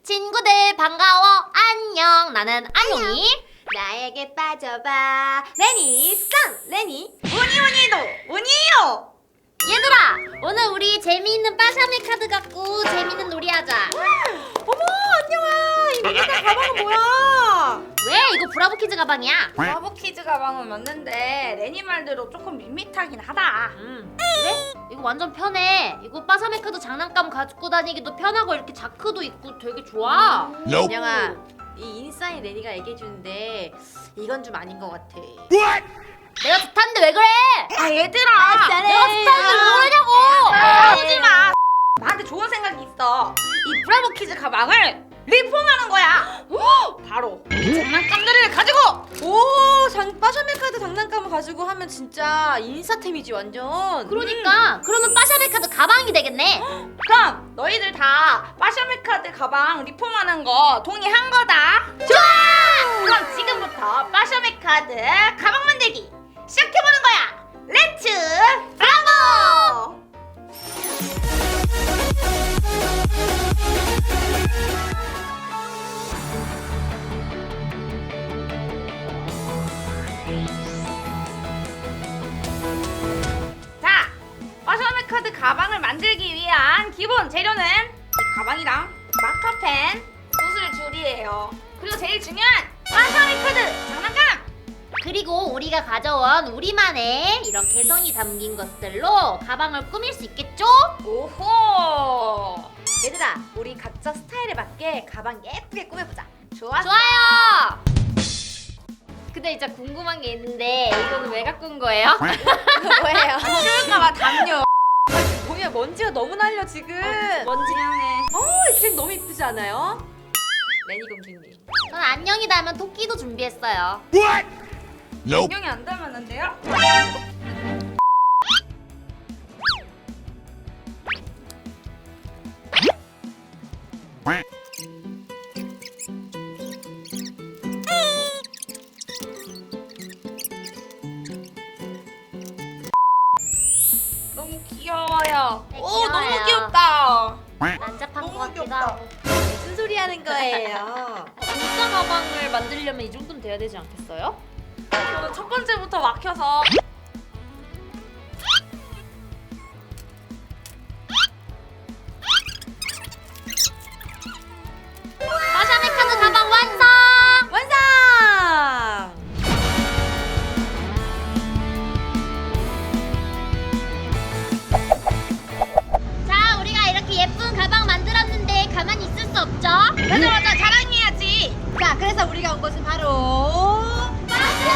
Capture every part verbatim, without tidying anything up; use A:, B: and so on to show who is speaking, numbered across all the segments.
A: 친구들 반가워. 안녕. 나는 안녕이.
B: 나에게 빠져봐. 레니 쌍 레니 우니우니도 우니요.
A: 얘들아, 오늘 우리 재미있는 빠샤미 카드 갖고 재미있는 놀이 하자.
B: 어머 안녕아. 이 미니카 가방은 뭐야?
A: 왜? 이거 브라보키즈 가방이야.
B: 브라보키즈 가방은 맞는데 레니 말대로 조금 밋밋하긴 하다.
A: 음, 그래? 이거 완전 편해. 이거 빠샤미 카드 장난감 가지고 다니기도 편하고 이렇게 자크도 있고 되게 좋아.
B: 안녕아. 이 인싸인 레니가 얘기해주는데 이건 좀 아닌 것 같아.
A: 내가 좋다는데 왜 그래?
B: 아 얘들아.
A: 내가 좋다는데 왜 그러냐고.
B: 싸우지 마. 나한테 좋은 생각이 있어. 이 브라보키즈 가방을 리폼하는 거야. 바로 이 장난감들을 가지고. 오, 장 빠샤미 카드 장난감을 가지고 하면 진짜 인싸템이지 완전.
A: 그러니까 그러면 빠샤미 카드 가방이 되겠네.
B: 그럼 너희들 다 빠샤미 카드 가방 리폼하는 거 동의한 거다. 좋아. 그럼 지금부터 빠샤미 카드 가방 만들기 시작해보는 거야. 렛츠 브라보. 자, 빠샤미 카드 가방을 만들기 위한 기본 재료는 이 가방이랑 마카펜, 구슬 줄이에요. 그리고 제일 중요한 빠샤미 카드 장난감.
A: 그리고 우리가 가져온 우리만의 이런 개성이 담긴 것들로 가방을 꾸밀 수 있겠죠?
B: 오호. 얘들아, 우리 각자 스타일에 맞게 가방 예쁘게 꾸며보자. 좋았어.
A: 좋아요. 근데 진짜 궁금한 게 있는데 이거는 왜 갖고 온 거예요?
B: 뭐예요? 추울까봐 담요. 보면 먼지가 너무 날려 지금.
A: 먼지.
B: 미안해. 어, 이 그림 너무 이쁘지 않아요? 레니 공주님.
A: 전 안녕이 닮은 토끼도 준비했어요.
C: Nope.
B: 안녕이 안 닮았는데요? 너무 귀여워요.
A: 네,
B: 오,
A: 귀여워요.
B: 너무 귀엽다.
A: 난잡한 것
B: 너무
A: 같기도
B: 귀엽다.
A: 하고.
B: 무슨 소리 하는 거예요?
A: 진짜 가방을 만들려면 이 정도는 돼야 되지 않겠어요?
B: 저는 첫 번째부터 막혀서.
A: 빠샤미 카드 가방 완성!
B: 완성!
A: 자, 우리가 이렇게 예쁜 가방 만들었는데 가만히 있을 수 없죠?
B: 맞아 맞아, 자랑해야지. 자, 그래서 우리가 온 곳은 바로
A: 마트!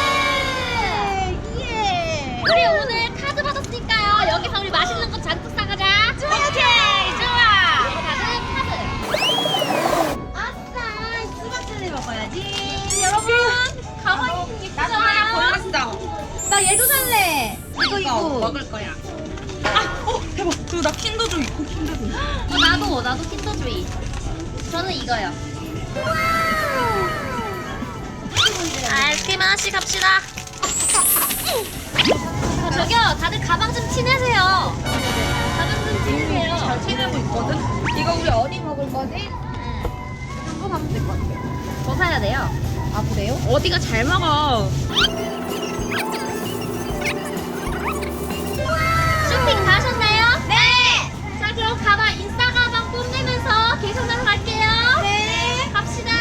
B: 예.
A: 우리 오늘 카드 받았으니까요. 여기서 우리 맛있는 거 잔뜩 사가자.
B: 오케이, 좋아.
A: 다들 카드.
B: 아싸, 수박차를 먹어야지.
A: 여러분, 가방이
B: 나도 하나
A: 예쁘잖아요.
B: 골랐어. 나 얘도 살래. 이거 이거 먹을 거야. 아, 어 대박. 그리고 나 킨더조 있고 킨더조.
A: 어, 나도, 나도 킨더조이. 저는 이거요. 아이스크림 하나씩 합시다. 아, 저기요, 다들 가방 좀 티내세요. 가방 좀 티내세요.
B: 잘 티내고 있거든. 이거 우리 어디 먹을 거지? 한거 사면 될 것 같아.
A: 더 사야 돼요.
B: 아 그래요? 어디가 잘 먹어.
A: 쇼핑 다 하셨나요? 네! 자, 그럼 가방, 인싸 가방 뽐내면서 계산하러 갈게요.
B: 네.
A: 갑시다.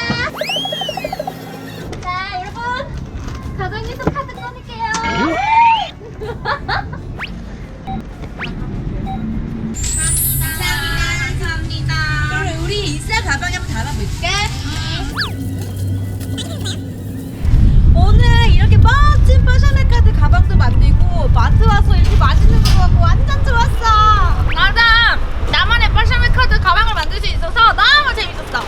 A: 자, 여러분. 가방에서 카드 꺼낼게요.
B: 감사합니다. 그럼 우리 인싸 가방에 한번 담아볼까? 오늘 이렇게 멋진 빠샤미 카드 가방도 만들고 마트 와서 이렇게 맛있는 거 먹고 완전 좋았어. 맞아. 나만의 빠샤미 카드 가방을 만들 수 있어서 너무 재밌었어.